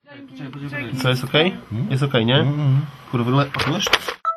Co, jest okej? Jest okej, nie? Kurwa, wiesz?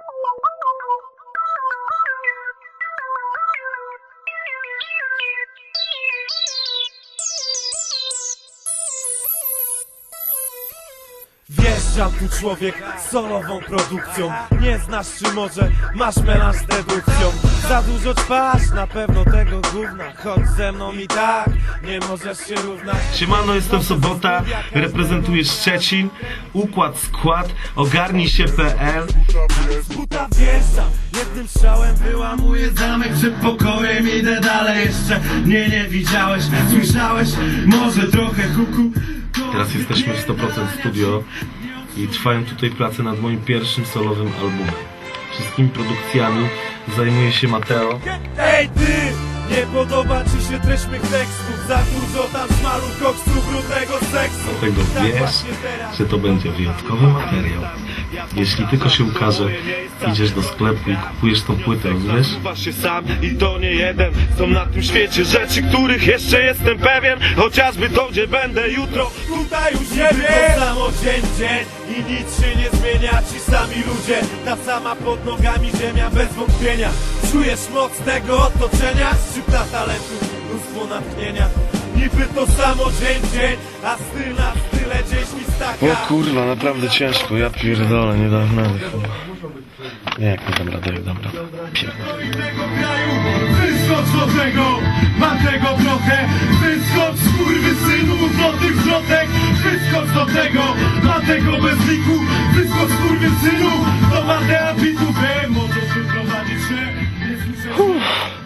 Wjeżdżam tu człowiek z solową produkcją. Nie znasz czy może masz melanż z dedukcją. Za dużo ćpasz, na pewno tego gówna. Chodź ze mną i tak, nie możesz się równać. Siemano, jestem Sobota, reprezentuję Szczecin. Układ, skład, ogarnij się.pl. Z buta wjeżdżam, jednym strzałem wyłamuję Zamek przed pokojem, idę dalej jeszcze. Nie widziałeś, słyszałeś, może trochę huku. Teraz jesteśmy w 100% studio i trwają tutaj prace nad moim pierwszym solowym albumem. Wszystkimi produkcjami zajmuje się Mateo. Ej ty! Nie podoba ci się treść mych tekstów. Za dużo tam szmalu, koksu, brudnego seksu. Dlatego wiesz, że to będzie wyjątkowy materiał. Jeśli tylko się ukaże, idziesz do sklepu i kupujesz tą płytę, rozumiesz? Uważ się sam i to nie jeden. Są na tym świecie rzeczy, których jeszcze jestem pewien. Chociażby to, gdzie będę jutro, tutaj już nie wiem. To samo dzień i nic się nie zmienia. Ci sami ludzie, ta sama pod nogami ziemia bez wątpienia. Czujesz moc tego otoczenia? Szczypta talentu, mnóstwo natchnienia. Niby to samo dzień, a styl na style gdzieś mi staka. O kurwa, naprawdę ciężko, ja pierdolę, nie dam rady chyba. Nie, jak nie dam rady, jak dam radę. Pierdolę. Tego kraju, wyskocz do tego, mam tego trochę. Wyskocz, skurwysynu, złotych zwrotek. Wyskocz do tego, mam tego bez liku. Wyskocz, skurwysynu, do Matea Bitu. Wiem, możesz wyprowadzić się, nie słyszę.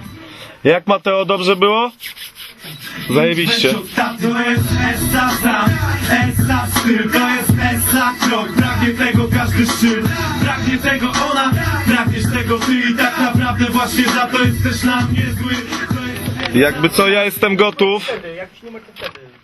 Jak Mateo, dobrze było? Zajebiście. To jest Essa sam, Essa styl, to jest Essa krok. Pragnie tego każdy szczyt, pragnie tego ona, pragniesz tego ty i tak naprawdę właśnie za to jesteś na mnie zły. Jakby co, ja jestem gotów. Jak już numer to wtedy.